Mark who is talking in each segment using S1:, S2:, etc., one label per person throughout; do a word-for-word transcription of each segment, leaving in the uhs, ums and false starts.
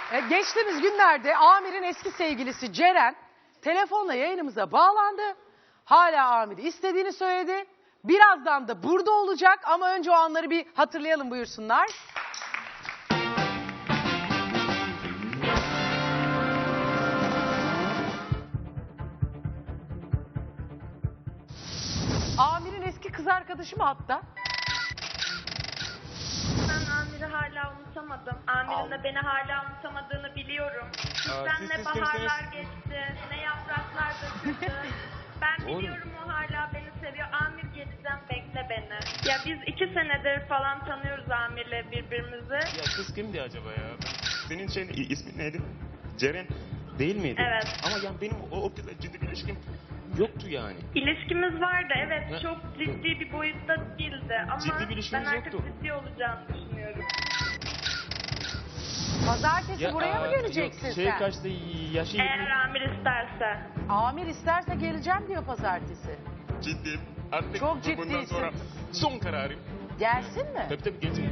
S1: E, geçtiğimiz günlerde Amir'in eski sevgilisi Ceren telefonla yayınımıza bağlandı. Hala Amir'i istediğini söyledi. Birazdan da burada olacak ama önce o anları bir hatırlayalım, buyursunlar. Amir'in eski kız arkadaşı mı hatta?
S2: Ben Amir'i hala unutamadım. Amir'in de beni hala unutamadığını biliyorum. Bizden
S3: siz
S2: ne
S3: isterseniz-
S2: baharlar geçti, ne yapraklar döküldü. Ben biliyorum o hala beni seviyor. Amir geleceğim, bekle beni. Ya biz iki senedir falan tanıyoruz Amir'le birbirimizi.
S3: Ya kız kimdi acaba ya? Senin şey ismin neydi? Ceren değil miydi?
S2: Evet.
S3: Ama yani benim o, o kızla ciddi bir ilişkim yoktu yani.
S2: İlişkimiz vardı, evet.
S3: Ha.
S2: Çok ciddi bir boyutta değildi. Ama
S3: Ciddi bir
S2: ben
S3: ilişkimiz
S2: artık
S3: yoktu.
S2: ciddi olacağını düşünüyorum.
S1: Pazartesi buraya mı
S3: aa,
S1: geleceksin
S3: yok, şey
S1: sen?
S3: kaçtı yaşı
S2: Eğer
S3: yirmi.
S2: Amir isterse.
S1: Amir isterse geleceğim diyor pazartesi.
S3: Ciddiyim. Artık
S1: Çok
S3: bundan
S1: ciddisin.
S3: sonra son kararım.
S1: Gelsin mi?
S3: Tabii tabii geleceğim.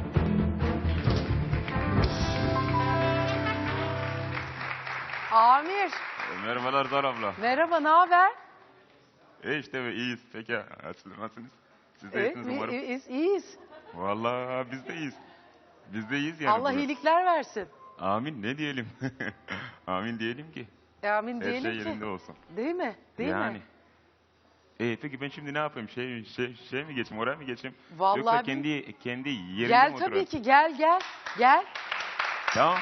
S1: Amir,
S4: Merhabalar Zar abla.
S1: merhaba, ne haber?
S4: E işte be, iyiyiz. Peki siz nasılsınız? Siz de
S1: Evet,
S4: iyisiniz umarım.
S1: iyiyiz, iyiyiz.
S4: Vallahi biz de iyiyiz. Biz de iyiyiz yani.
S1: Allah
S4: bugün.
S1: iyilikler versin.
S4: Amin ne diyelim. Amin diyelim ki.
S1: Amin
S4: Her
S1: diyelim
S4: şey
S1: ki.
S4: yerinde olsun.
S1: Değil mi? Değil
S4: yani.
S1: mi?
S4: E peki ben şimdi ne yapayım? Şey şey şey mi geçeyim? Oraya mı geçeyim?
S1: Vallahi
S4: Yoksa
S1: bir-
S4: kendi kendi yerimde
S1: Gel
S4: mi
S1: tabii
S4: oturayım?
S1: ki, gel gel. Gel.
S4: Tamam.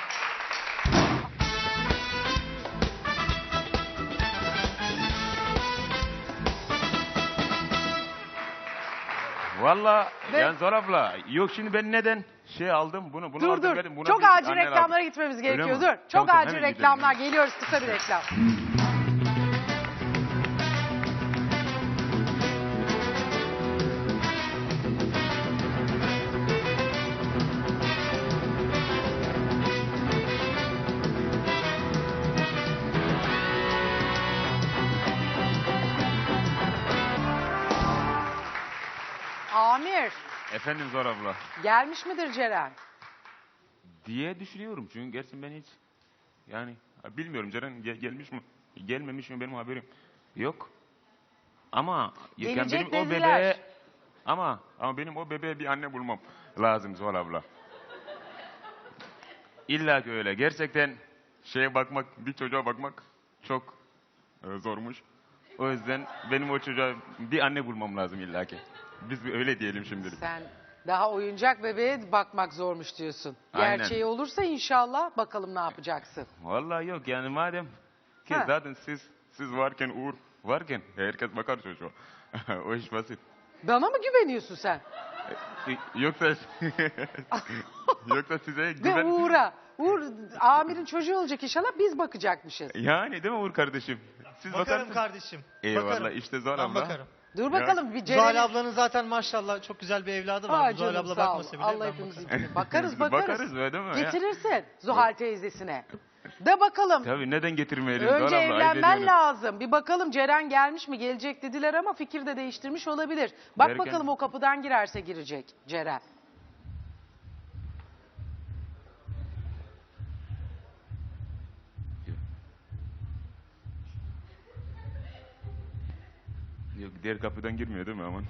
S4: Valla
S1: Ve-
S4: yani Zor abla yok şimdi ben neden şey aldım bunu bunu
S1: Dur
S4: aldım
S1: dur.
S4: verdim, buna
S1: Çok
S4: bir
S1: acil
S4: anne
S1: reklamlara
S4: lazım.
S1: gitmemiz
S4: Öyle
S1: gerekiyor.
S4: mi?
S1: Dur. Çok
S4: Tamam, tamam,
S1: acil
S4: hemen gidelim,
S1: reklamlar.
S4: hemen.
S1: Geliyoruz, kısa bir reklam. Amir,
S4: Efendim Zor abla.
S1: gelmiş midir Ceren?
S4: Diye düşünüyorum çünkü gerçekten ben hiç yani bilmiyorum Ceren gel- gelmiş mi gelmemiş mi benim haberim yok. Ama yani
S1: Gelecek
S4: benim o
S1: dediler.
S4: bebeğe ama ama benim o bebeğe bir anne bulmam lazım Zor abla. İlla ki öyle. Gerçekten şeye bakmak, bir çocuğa bakmak çok e, zormuş. O yüzden benim o çocuğa bir anne bulmam lazım illa ki. Biz öyle diyelim şimdilik.
S1: Sen daha oyuncak bebeğe bakmak zormuş diyorsun.
S4: Aynen.
S1: Gerçeği olursa inşallah bakalım ne yapacaksın.
S4: Vallahi yok yani madem ki
S1: Ha.
S4: zaten siz siz varken Uğur varken herkes bakar çocuğa. O iş basit.
S1: Bana mı güveniyorsun sen?
S4: E, Yoksa yoksa size
S1: Ve
S4: güven...
S1: Uğur'a. Uğur Amir'in çocuğu olacak inşallah, biz bakacakmışız.
S4: Yani değil mi Uğur kardeşim? Siz
S5: Bakarım
S4: bakarsınız.
S5: kardeşim.
S4: Eyvallah
S5: Bakarım.
S4: işte Zor
S5: Ben
S4: abla.
S5: bakarım.
S1: Dur bakalım bir
S5: Zuhal
S1: Ceren'in...
S5: ablanın zaten maşallah çok güzel bir evladı
S1: Aa,
S5: var. Zuhal
S1: canım,
S5: abla
S1: sağ ol.
S5: bakmasa bile
S1: Allah
S5: ben
S1: hepimiz
S5: bakarım.
S1: için. Bakarız
S4: Biz
S1: bakarız.
S4: bakarız öyle değil mi ya?
S1: Getirirsin Zuhal teyzesine. De bakalım.
S4: Tabii neden getirmeyelim Zor
S1: Önce
S4: abla? ayıp
S1: evlenmen
S4: ediyorum.
S1: lazım. Bir bakalım Ceren gelmiş mi? Gelecek dediler ama fikir de değiştirmiş olabilir. Bak
S4: Derken-
S1: bakalım o kapıdan girerse girecek Ceren.
S4: Yok diğer kapıdan girmiyor değil mi aman?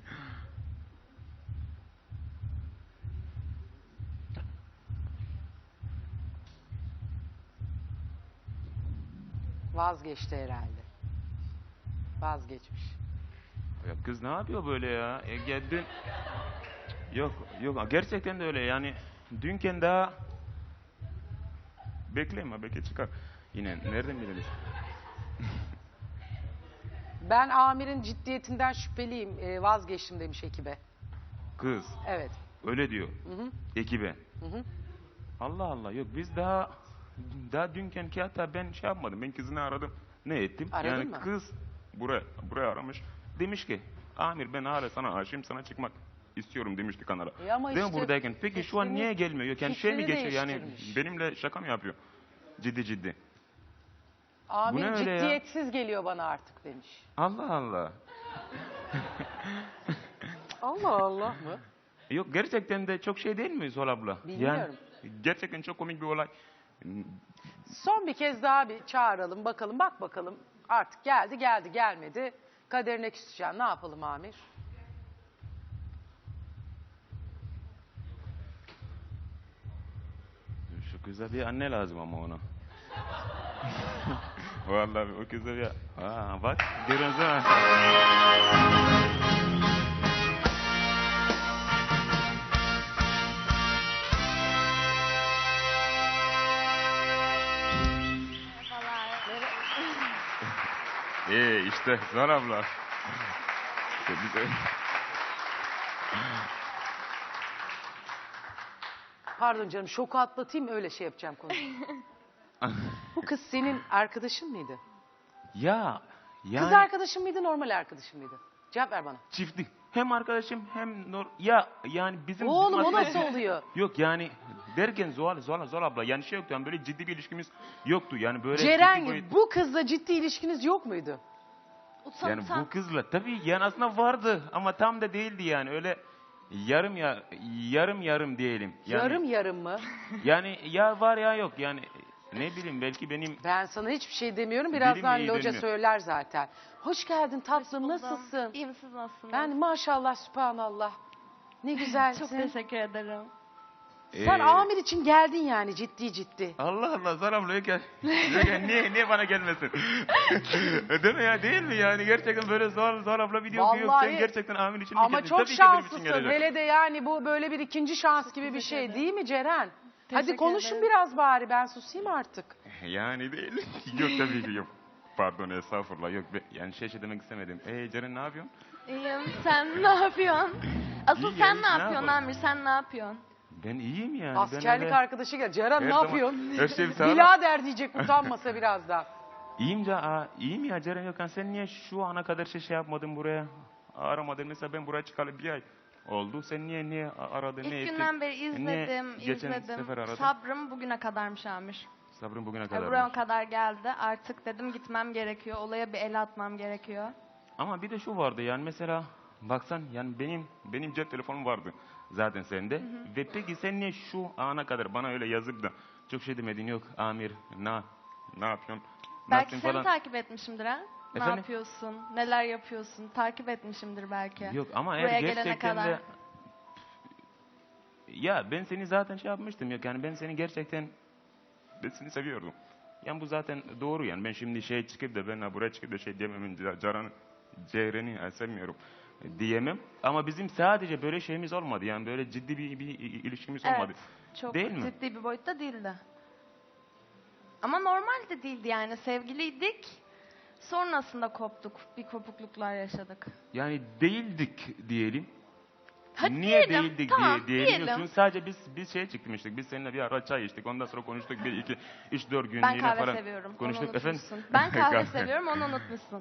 S1: Vazgeçti herhalde. Vazgeçmiş.
S4: Ya kız ne yapıyor böyle ya? E, gel dün... Yok yok gerçekten de öyle yani. Dünken daha... Bekleme belki çıkar. Yine nereden biliriz?
S1: Ben Amir'in ciddiyetinden şüpheliyim. Ee, vazgeçtim demiş ekibe.
S4: Kız
S1: Evet.
S4: öyle diyor.
S1: Hı hı.
S4: Ekibe.
S1: Hı hı.
S4: Allah Allah yok biz daha... Daha dünken ki hatta ben şey yapmadım. Ben kızını aradım. Ne ettim?
S1: Aradın
S4: yani
S1: mı?
S4: kız buraya, buraya aramış. Demiş ki Amir ben hala sana aşığım, sana çıkmak istiyorum demişti kanala.
S1: E ama
S4: Değil mi
S1: işte
S4: buradayken? Peki şu an
S1: fikrini-
S4: niye gelmiyor? Yok, yani şey mi
S1: fikrini
S4: geçiyor yani
S1: değiştirmiş.
S4: benimle şaka mı yapıyor? Ciddi ciddi.
S1: Amir
S4: ne öyle ya?
S1: ciddiyetsiz geliyor bana artık demiş.
S4: Allah Allah.
S1: Allah Allah mı?
S4: Yok gerçekten de çok şey değil mi Zol abla?
S1: Bilmiyorum.
S4: Yani gerçekten çok komik bir olay.
S1: Son bir kez daha bir çağıralım bakalım, bak bakalım. Artık geldi geldi gelmedi. Kaderine küseceksin. Ne yapalım Amir?
S4: Şu kıza bir anne lazım ama ona. Vallahi o kıza bir... Aa, bak görüyorsun değil mi? Ee işte Zuhal abla. Bize-
S1: Pardon canım, şoku atlatayım, öyle şey yapacağım konuyu. Bu kız senin arkadaşın mıydı?
S4: Ya yani
S1: Kız arkadaşın mıydı, normal arkadaşın mıydı? Cevap ver bana.
S4: çiftlik. Hem arkadaşım hem nor ya yani bizim
S1: Oğlum
S4: bizim
S1: o
S4: aslında-
S1: nasıl oluyor?
S4: Yok yani derken Zuhal Zuhal Zuhal abla yani şey yoktu yani böyle ciddi bir ilişkimiz yoktu yani böyle ciddi
S1: Ceren,
S4: boyut-
S1: bu kızla ciddi ilişkiniz yok muydu?
S6: Utan,
S4: yani
S6: utan.
S4: bu kızla tabii yani aslında vardı ama tam da değildi yani öyle yarım ya yarım yarım diyelim. Yani,
S1: Yarım yarım mı?
S4: Yani ya var ya yok yani ne bileyim belki benim
S1: Ben sana hiçbir şey demiyorum. Birazdan
S4: iyi
S1: loca
S4: dönüyor.
S1: söyler zaten. Hoş geldin tatlım,
S6: Buldum.
S1: nasılsın?
S6: İyiyim, siz nasılsınız?
S1: Ben maşallah sübhanallah. Ne güzelsin.
S6: Çok teşekkür ederim.
S1: Sen
S4: Ee,
S1: Amir için geldin yani ciddi ciddi.
S4: Allah Allah Zuhal abla yok ya. Yok ya, niye, niye bana gelmesin? Değil mi ya değil mi yani gerçekten böyle Zuhal, Zuhal abla video okuyor.
S1: Vallahi-
S4: Sen gerçekten Amin için mi
S1: Ama
S4: geldin?
S1: çok
S4: Tabii ki benim için
S1: şanslısın.
S4: gelecek.
S1: Hele de yani bu böyle bir ikinci şans gibi bir şey değil mi Ceren? Hadi
S6: Teşekkür
S1: konuşun
S6: ederim.
S1: biraz bari, ben susayım artık.
S4: Yani değil. Yok tabii ki yok. Pardon estağfurullah yok. be- Yani şey şey demek istemedim. Ee Ceren ne yapıyorsun?
S6: İyiyim, sen ne yapıyorsun? Asıl
S4: İyi
S6: sen
S4: ya,
S6: ne
S4: ne
S6: yapıyorsun
S4: yapalım?
S6: Amir, sen ne yapıyorsun?
S4: Ben iyiyim yani. ben
S1: Askerlik
S4: öyle-
S1: arkadaşı gel. Ceren
S4: Her
S1: ne
S4: zaman-
S1: yapıyorsun?
S4: her şey bir tarafa-
S1: Bilader diyecek utanmasa birazdan.
S4: İyiyim ya, aa, iyiyim ya Ceren Gökhan. Sen niye şu ana kadar şey, şey yapmadın buraya? Aramadın. Mesela ben buraya çıkalı bir ay oldu. Sen niye niye aradın?
S6: İlk
S4: ne ettin?
S6: günden beri
S4: Niye
S6: izledim,
S4: geçen
S6: izledim.
S4: sefer aradın?
S6: Sabrım bugüne kadarmış Amir.
S4: Sabrım bugüne
S6: Ya
S4: kadar.
S6: buraya kadar geldi. Artık dedim gitmem gerekiyor. Olaya bir el atmam gerekiyor.
S4: Ama bir de şu vardı yani mesela baksan yani benim benim cep telefonum vardı zaten sende. Ve peki sen niye şu ana kadar bana öyle yazıp da çok şey demedin yok Amir ne ne yapıyorsun?
S6: Belki
S4: Nasılsın
S6: seni takip etmişimdir ha? Ne
S4: Efendim?
S6: yapıyorsun? Neler yapıyorsun? Takip etmişimdir belki.
S4: Yok ama
S6: Buraya
S4: eğer
S6: gelene
S4: gerçekten
S6: kadar.
S4: de ya ben seni zaten şey yapmıştım yok yani ben seni gerçekten ben seni seviyordum. Yani bu zaten doğru yani ben şimdi şey çıkıp da ben ha buraya çıkıp da şey diyemem Caran'ı Ceyren'i ha, sevmiyorum diyemem. Ama bizim sadece böyle şeyimiz olmadı yani böyle ciddi bir, bir ilişkimiz olmadı.
S6: Evet. Çok
S4: Değil mi?
S6: ciddi bir boyutta değildi. Ama normal de değildi yani. Sevgiliydik. Sonrasında koptuk. Bir kopukluklar yaşadık.
S4: Yani değildik diyelim.
S6: Hadi
S4: Niye
S6: diyelim,
S4: değildik
S6: tamam,
S4: diye diyelim.
S6: diyelim.
S4: Çünkü sadece biz biz şeye çıkmıştık. Biz seninle bir ara çay içtik. Ondan sonra konuştuk bir iki üç dört gün
S6: Ben
S4: yine
S6: kahve
S4: falan
S6: seviyorum. Onu
S4: konuştuk efendim.
S6: unutmuşsun. Ben kahve seviyorum. Onu unutmuşsun.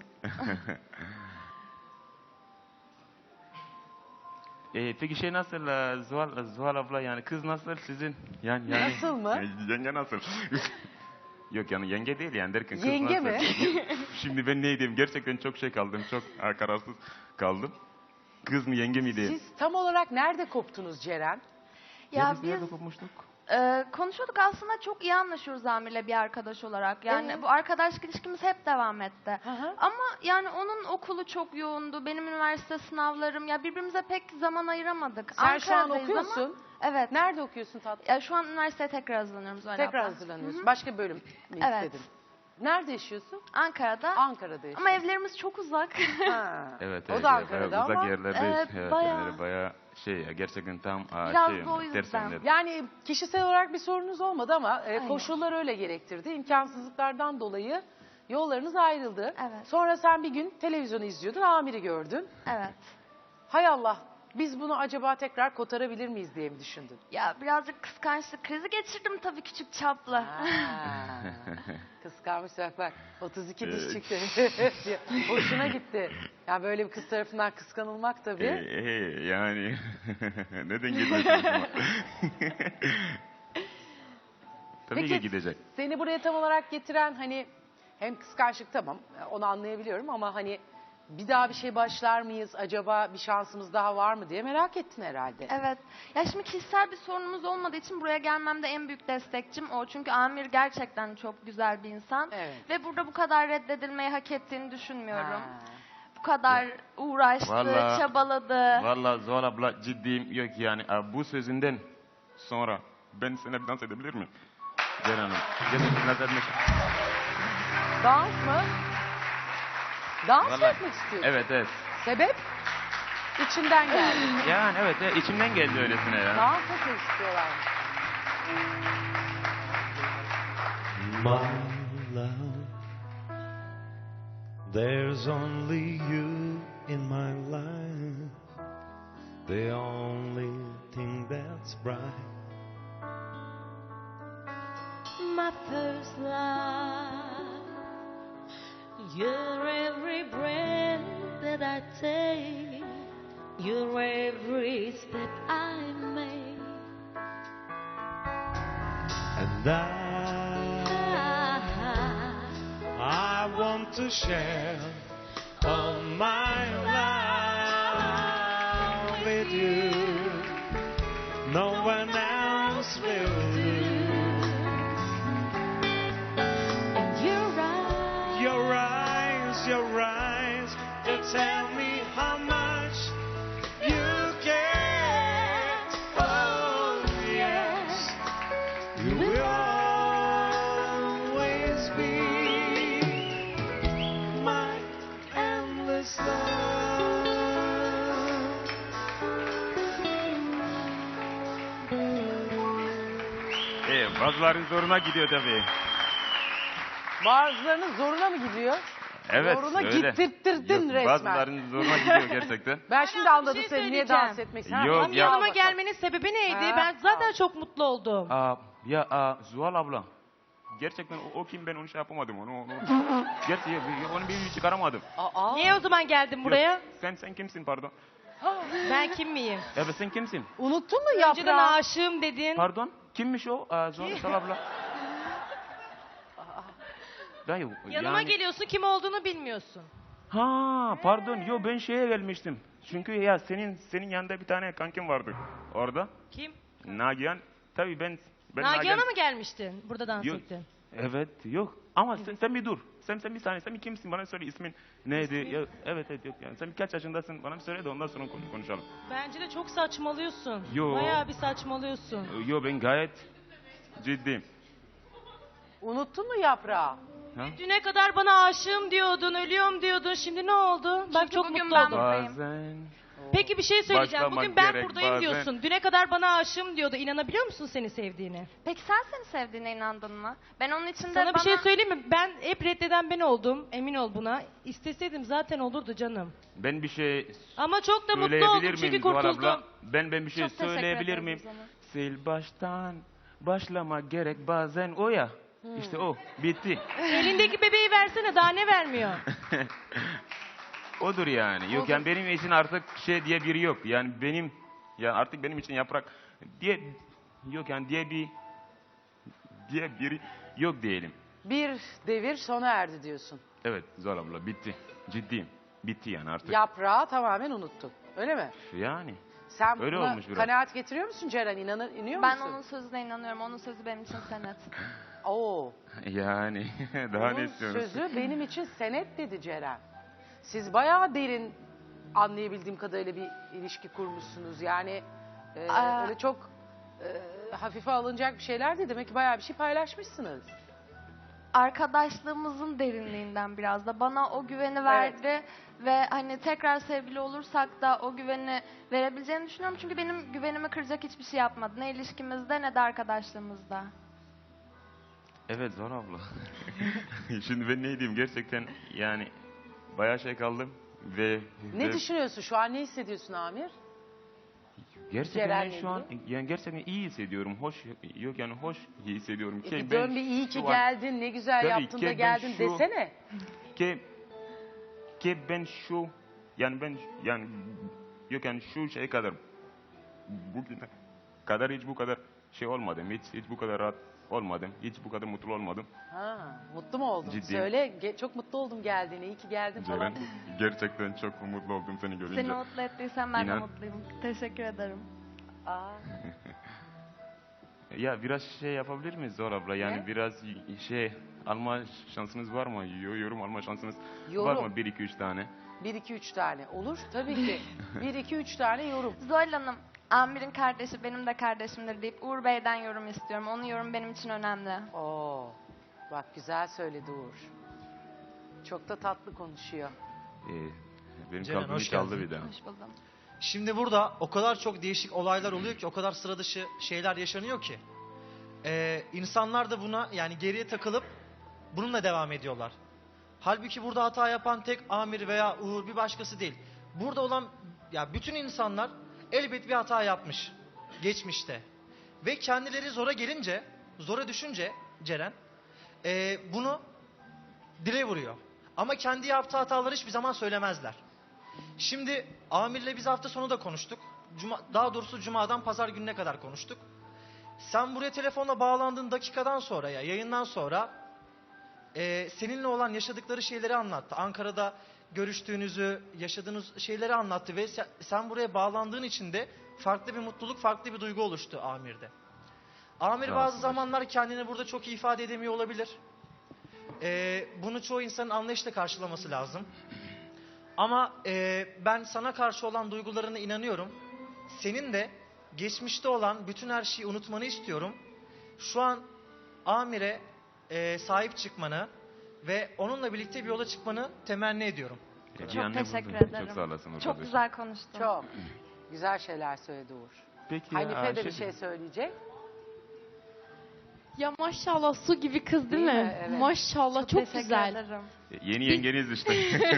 S4: Ee, peki şey nasıl e, Zuhal, Zuhal abla yani kız nasıl sizin? Yani, yani
S1: Nasıl mı?
S4: Yani yenge nasıl? Yok yani yenge değil yani derken kız
S1: Yenge
S4: nasıl?
S1: mi?
S4: Şimdi ben ne diyeyim gerçekten çok şey kaldım. Çok e, kararsız kaldım. Kız mı yenge mi diyeyim?
S1: Siz tam olarak nerede koptunuz Ceren?
S4: Ya,
S6: ya
S4: biz nerede
S6: biz
S4: kopmuştuk?
S6: e, konuşuyorduk aslında, çok iyi anlaşıyoruz Amir'le bir arkadaş olarak. Yani
S1: Evet.
S6: bu arkadaşlık ilişkimiz hep devam etti.
S1: Hı hı.
S6: Ama yani onun okulu çok yoğundu. Benim üniversite sınavlarım. Ya birbirimize pek zaman ayıramadık.
S1: Sen şu an
S6: Ankara'dayız ama-
S1: okuyorsun.
S6: Evet.
S1: Nerede okuyorsun tatlım?
S6: Ya şu an üniversiteye tekrar hazırlanıyorum Zuhal
S1: Tekrar
S6: abla.
S1: hazırlanıyorsun. Başka bir bölüm mü
S6: Evet.
S1: istedin? Nerede yaşıyorsun?
S6: Ankara'da.
S1: Ankara'da yaşıyorsun.
S6: Ama evlerimiz çok uzak.
S1: Ha.
S4: Evet,
S1: O
S4: evet,
S1: da
S4: evet,
S1: Ankara'da
S4: bayağı uzak
S1: ama
S4: yerlerdeyiz.
S6: Evet,
S4: Evet,
S6: bayağı.
S4: yani bayağı şey ya, gerçekten tam aa,
S6: Biraz
S4: şey,
S6: da o yüzden.
S4: ters yönler.
S1: yani kişisel olarak bir sorunuz olmadı ama e,
S6: Aynen.
S1: koşullar öyle gerektirdi. İmkansızlıklardan dolayı yollarınız ayrıldı.
S6: Evet.
S1: Sonra sen bir gün televizyonu izliyordun, Amir'i gördün.
S6: Evet.
S1: Hay Allah, biz bunu acaba tekrar kotarabilir miyiz diye mi düşündün?
S6: Ya birazcık kıskançlık krizi geçirdim tabii, küçük çaplı.
S1: Ha. Kıskanmış bak bak. otuz iki diş
S4: Evet.
S1: çıktı. Hoşuna gitti. Ya böyle bir kız tarafından kıskanılmak tabii.
S4: Ee, ee, yani neden gitmesin hoşuma? Tabii
S1: Peki
S4: ki gidecek.
S1: seni buraya tam olarak getiren hani hem kıskançlık tamam onu anlayabiliyorum ama hani bir daha bir şey başlar mıyız? Acaba bir şansımız daha var mı diye merak ettin herhalde.
S6: Evet. Ya şimdi kişisel bir sorunumuz olmadığı için buraya gelmemde en büyük destekçim o. Çünkü Amir gerçekten çok güzel bir insan.
S1: Evet.
S6: Ve burada bu kadar reddedilmeyi hak ettiğini düşünmüyorum.
S1: Ha.
S6: Bu kadar uğraştı,
S4: Vallahi-
S6: çabaladı.
S4: Valla Zuhal abla ciddiyim yok yani. Aa, bu sözünden sonra ben seninle dans edebilir miyim? Ceren Hanım. Gerçekten dans etmek.
S1: Dans mı? Dans mı
S4: Vallahi-
S1: etmek istiyorsun?
S4: Evet evet.
S1: Sebep? İçinden geldi.
S4: Yani evet evet, içimden geldi öylesine ya.
S1: Dans etmek istiyorlar.
S7: My love, there's only you in my life, the only thing that's bright.
S8: My first love, you're every breath that I take, you're every step I make.
S7: And I, I want to share all my life with you. No one else will do.
S8: Your eyes,
S7: Your eyes, your eyes, they tell me how much you care. Oh yes, you will always be my endless love.
S4: Ee, bazıların zoruna gidiyor tabii.
S1: Bazılarının zoruna mı gidiyor?
S4: Evet
S1: Zoruna
S4: öyle.
S1: gittirttirdin
S4: Yok,
S1: resmen.
S4: Bazılarının zoruna gidiyor gerçekten.
S1: Ben şimdi
S9: Hala bir
S1: anladım
S9: şey
S1: seni niye
S9: söyleyeceğim.
S1: dans etmek istiyorsun.
S4: Yok,
S1: Ha,
S9: Benim
S4: ya-
S1: al
S9: yanıma
S1: bakalım.
S9: gelmenin sebebi neydi?
S1: Ha,
S9: Ben zaten
S1: al.
S9: çok mutlu oldum.
S4: Aa, ya aa, Zuhal abla. Gerçekten o, o kim ben onu şey yapamadım onu. onu gerçi ya, onu bir çıkaramadım.
S1: Aa,
S9: Niye o zaman geldin buraya?
S4: Yok, sen sen kimsin pardon?
S9: Ben kim miyim?
S4: Evet sen kimsin?
S1: unuttun mu
S9: Önceden
S1: yaprağı?
S9: aşığım dedin.
S4: Pardon? Kimmiş o? Aa, Zuhal Zuhal abla. Ben yok.
S9: Yanıma
S4: yani-
S9: geliyorsun, kim olduğunu bilmiyorsun.
S4: Ha pardon yo ben şeye gelmiştim. Çünkü ya senin senin yanında bir tane kankim vardı orada.
S9: Kim?
S4: Nagihan. Tabii ben ben
S9: Nagihan'a mı gelmiştin? Burada dans
S4: Yok.
S9: ettin.
S4: Evet yok. Ama sen, sen bir dur. Sen sen bir saniye. Sen bir kimsin? Bana söyle ismin neydi? Ya, evet evet yok yani. Sen kaç yaşındasın? Bana bir söyle de ondan sonra konuş- konuşalım.
S9: Bence de çok saçmalıyorsun.
S4: Yo.
S9: Bayağı bir saçmalıyorsun.
S4: Yo ben gayet ciddiyim.
S1: Unuttun mu yaprağı?
S4: Ha?
S9: Düne kadar bana aşığım diyordun, ölüyorum diyordun. Şimdi ne oldu? Bak
S6: Çünkü
S9: çok
S6: bugün
S9: mutlu
S6: ben
S9: oldum.
S6: buradayım.
S4: Bazen
S9: Peki bir şey söyleyeceğim.
S4: Başlamak
S9: Bugün ben
S4: gerek
S9: buradayım
S4: bazen.
S9: diyorsun. Düne kadar bana aşığım diyordu. İnanabiliyor musun seni sevdiğine?
S6: Peki sen seni sevdiğine inandın mı? Ben onun için de
S9: Sana
S6: bana...
S9: bir şey söyleyeyim mi? Ben hep reddeden ben oldum. Emin ol buna. İsteseydim zaten olurdu canım.
S4: ben bir şey
S9: Ama çok da mutlu
S4: söyleyebilir
S9: oldum
S4: miyim
S9: çünkü
S4: Zuhal abla?
S9: kurtuldum.
S4: Ben ben bir şey
S6: Çok teşekkür
S4: söyleyebilir
S6: ederim
S4: miyim?
S6: o zaman.
S4: Sil baştan başlamak gerek bazen o ya. İşte o bitti.
S9: Elindeki bebeği versene, daha ne vermiyor?
S4: Odur yani. Yok yani benim için artık şey diye biri yok. Yani benim ya artık benim için yaprak diye yok yani diye bir diye biri yok diyelim.
S1: Bir devir sona erdi diyorsun.
S4: Evet Zuhal abla bitti. Ciddiyim. Bitti yani artık.
S1: Yaprağı tamamen unuttun. Öyle mi?
S4: Yani.
S1: Sen
S4: Öyle
S1: buna
S4: olmuş biraz.
S1: kanaat getiriyor musun Ceren? İnanır, iniyor
S6: Ben
S1: musun?
S6: onun sözüne inanıyorum. Onun sözü benim için senet.
S1: Oo.
S4: Yani daha ne
S1: Onun
S4: istiyorsunuz?
S1: sözü benim için senet dedi Ceren. Siz bayağı derin anlayabildiğim kadarıyla bir ilişki kurmuşsunuz. Yani e,
S6: Aa.
S1: öyle çok e, hafife alınacak bir şeyler değil. Demek ki bayağı bir şey paylaşmışsınız.
S6: Arkadaşlığımızın derinliğinden biraz da bana o güveni verdi ve hani tekrar sevgili olursak da o güveni verebileceğini düşünüyorum. Çünkü benim güvenimi kıracak hiçbir şey yapmadı. Ne ilişkimizde ne de arkadaşlığımızda.
S4: Evet Zuhal abla. Şimdi ben ne diyeyim gerçekten yani bayağı şey kaldım ve
S1: Ne
S4: ve
S1: düşünüyorsun şu an? Ne hissediyorsun Amir?
S4: gerçekten
S1: Ceren'le
S4: ben şu an yani gerçekten iyi hissediyorum. Hoş yok yani hoş hissediyorum.
S1: E
S4: Ki
S1: bir
S4: ben
S1: dön bir iyi ki
S4: şu an-
S1: geldin, ne güzel
S4: Tabii
S1: yaptın
S4: ki
S1: da
S4: ben
S1: geldin
S4: şu-
S1: desene.
S4: ki ki ben şu yani ben yani yok yani şu şeye kadar bugüne kadar hiç bu kadar şey olmadım. Hiç hiç bu kadar rahat olmadım. Hiç bu kadar mutlu olmadım.
S1: Ha, mutlu mu oldun?
S4: Ciddiyim.
S1: Söyle, ge- çok mutlu oldum geldiğine, iyi ki geldin falan.
S4: Ceren, gerçekten çok mutlu oldum seni görünce.
S6: Seni mutlu ettiysen ben
S4: İnan.
S6: de mutluyum. Teşekkür ederim.
S1: Aa,
S4: Ya biraz şey yapabilir miyiz Zor abla? Yani
S1: Ne?
S4: biraz y- şey alma şansınız var mı? Yo- Yorum alma şansınız var
S1: Yorum.
S4: mı? Bir iki üç tane.
S1: bir iki üç tane. Olur tabii ki. bir iki üç tane yorum.
S6: Zuhal Hanım, Amir'in kardeşi benim de kardeşimdir deyip Uğur Bey'den yorum istiyorum. Onun yorumu benim için önemli.
S1: Oo, bak güzel söyledi Uğur. Çok da tatlı konuşuyor.
S4: Ee, benim
S5: Ceren,
S4: kalbimi
S5: hoş
S4: çaldı
S5: geldin.
S4: bir daha.
S6: Hoş buldum.
S5: Şimdi burada o kadar çok değişik olaylar oluyor ki, o kadar sıra dışı şeyler yaşanıyor ki. Ee, insanlar da buna yani geriye takılıp bununla devam ediyorlar. Halbuki burada hata yapan tek Amir veya Uğur bir başkası değil. Burada olan ya bütün insanlar elbet bir hata yapmış geçmişte. Ve kendileri zora gelince, zora düşünce Ceren ee, bunu dile vuruyor. Ama kendi yaptığı hataları hiçbir zaman söylemezler. Şimdi Amir'le biz hafta sonu da konuştuk. Cuma, daha doğrusu Cuma'dan Pazar gününe kadar konuştuk. Sen buraya telefonla bağlandığın dakikadan sonra ya yayından sonra e, seninle olan yaşadıkları şeyleri anlattı. Ankara'da görüştüğünüzü, yaşadığınız şeyleri anlattı ve sen, sen buraya bağlandığın için de farklı bir mutluluk, farklı bir duygu oluştu Amir'de. Amir
S4: Sağ
S5: bazı
S4: olsun.
S5: zamanlar kendini burada çok iyi ifade edemiyor olabilir. E, bunu çoğu insanın anlayışla karşılaması lazım. Ama e, ben sana karşı olan duygularına inanıyorum. Senin de geçmişte olan bütün her şeyi unutmanı istiyorum. Şu an Amir'e e, sahip çıkmanı ve onunla birlikte bir yola çıkmanı temenni ediyorum.
S4: Ee, bir
S6: Çok
S4: anne
S6: teşekkür
S4: buldum.
S6: ederim.
S4: Çok sağ olasın.
S6: Çok
S4: arkadaşım.
S6: güzel konuştun.
S1: Çok güzel şeyler söyledi Uğur.
S4: Peki ya,
S1: Hanife de
S4: Ayşe-
S1: bir şey söyleyecek.
S10: Ya maşallah su gibi kız değil,
S1: Değil
S10: mi?
S1: mi? Evet.
S10: Maşallah çok,
S6: Teşekkür
S10: güzel.
S6: ederim.
S4: Yeni yengeniz işte.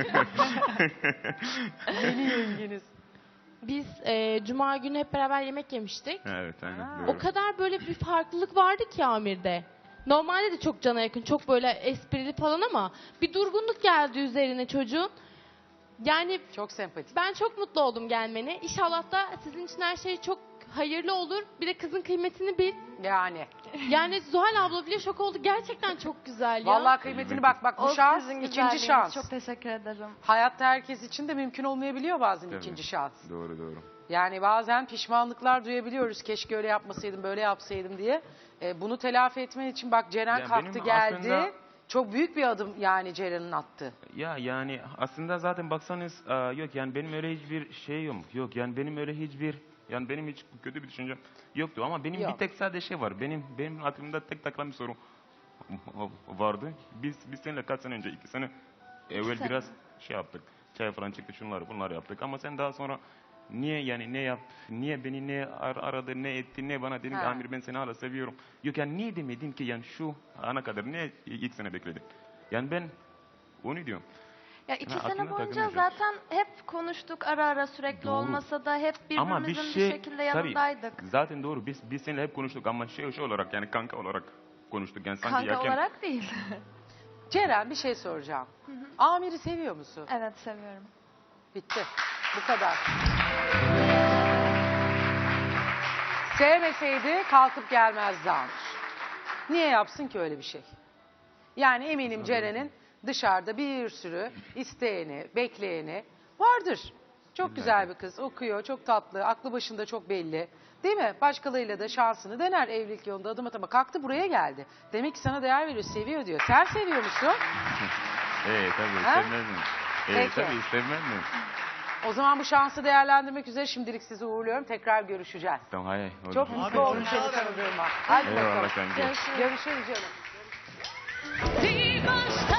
S1: Yeni yengeniz.
S10: Biz e, cuma günü hep beraber yemek yemiştik.
S4: Evet aynen.
S1: Ha.
S4: doğru.
S10: O kadar böyle bir farklılık vardı ki Amir'de. Normalde de çok cana yakın, çok böyle esprili falan ama bir durgunluk geldi üzerine çocuğun. Yani
S1: Çok sempatik.
S10: ben çok mutlu oldum gelmene. İnşallah da sizin için her şey çok hayırlı olur. Bir de kızın kıymetini bil.
S1: Yani.
S10: Yani Zuhal abla bile şok oldu. Gerçekten çok güzel ya.
S1: Vallahi kıymetini bak bak bu
S6: O
S1: şans
S6: sizin
S1: ikinci
S6: güzelliğiniz.
S1: şans.
S6: Çok teşekkür ederim.
S1: Hayatta herkes için de mümkün olmayabiliyor bazen
S4: Tabii.
S1: ikinci şans.
S4: Doğru doğru.
S1: Yani bazen pişmanlıklar duyabiliyoruz. Keşke öyle yapmasaydım, böyle yapsaydım diye. Ee, bunu telafi etmen için bak Ceren
S4: Ya
S1: kalktı
S4: benim
S1: geldi.
S4: aslında-
S1: Çok büyük bir adım yani Ceren'in attığı.
S4: Ya yani aslında zaten baksanız aa, yok yani benim öyle hiçbir şey yok. Yok yani benim öyle hiçbir yani benim hiç kötü bir düşüncem yoktu ama benim
S1: Yok.
S4: bir tek sadece şey var. Benim benim aklımda tek takılan bir soru vardı. Biz biz seninle kaç sene önce iki sene evvel
S6: sene.
S4: biraz şey yaptık. Çay falan çıktı şunları bunları yaptık ama sen daha sonra niye yani ne yap niye beni ne ar- aradı ne etti ne bana dedin ki
S1: Ha.
S4: Amir ben seni hala seviyorum. Yok yani niye demedin ki yani şu ana kadar niye ilk sene bekledin? Yani ben onu diyorum.
S6: Ya iki
S4: Ha,
S6: sene
S4: aklına
S6: boyunca
S4: takılmayacak.
S6: zaten hep konuştuk ara ara sürekli
S4: Doğru.
S6: olmasa da hep
S4: Ama
S6: birbirimizin
S4: bir
S6: bir,
S4: şey
S6: şekilde
S4: tabii,
S6: yanındaydık.
S4: zaten doğru biz biz seninle hep konuştuk ama şey şey olarak yani kanka olarak konuştuk yani sanki
S6: Kanka
S4: erken-
S6: olarak değil.
S1: Ceren bir şey soracağım. Amir'i seviyor musun?
S6: Evet seviyorum.
S1: Bitti. Bu kadar. Sevmeseydi kalkıp gelmezdi Amir. Niye yapsın ki öyle bir şey? Yani eminim Ceren'in dışarıda bir sürü isteyeni, bekleyeni vardır. Çok güzel bir kız, okuyor, çok tatlı, aklı başında çok belli. Değil mi? Başkalarıyla da şansını dener evlilik yolunda adım atama. Kalktı buraya geldi. Demek ki sana değer veriyor, seviyor diyor. Sen seviyor musun?
S4: Evet tabii
S1: Ha?
S4: sevmez mi? Evet
S1: Peki.
S4: tabii sevmez mi?
S1: O zaman bu şansı değerlendirmek üzere şimdilik sizi uğurluyorum. Tekrar görüşeceğiz.
S4: Tamam hayır. oldu.
S1: Çok
S5: Abi,
S1: mutlu oldum
S5: çok
S1: seni
S5: sağ ol.
S1: tanıdığıma. Hadi bakalım.
S4: Eyvallah kanka.
S1: Görüşürüz canım.
S8: Die Macht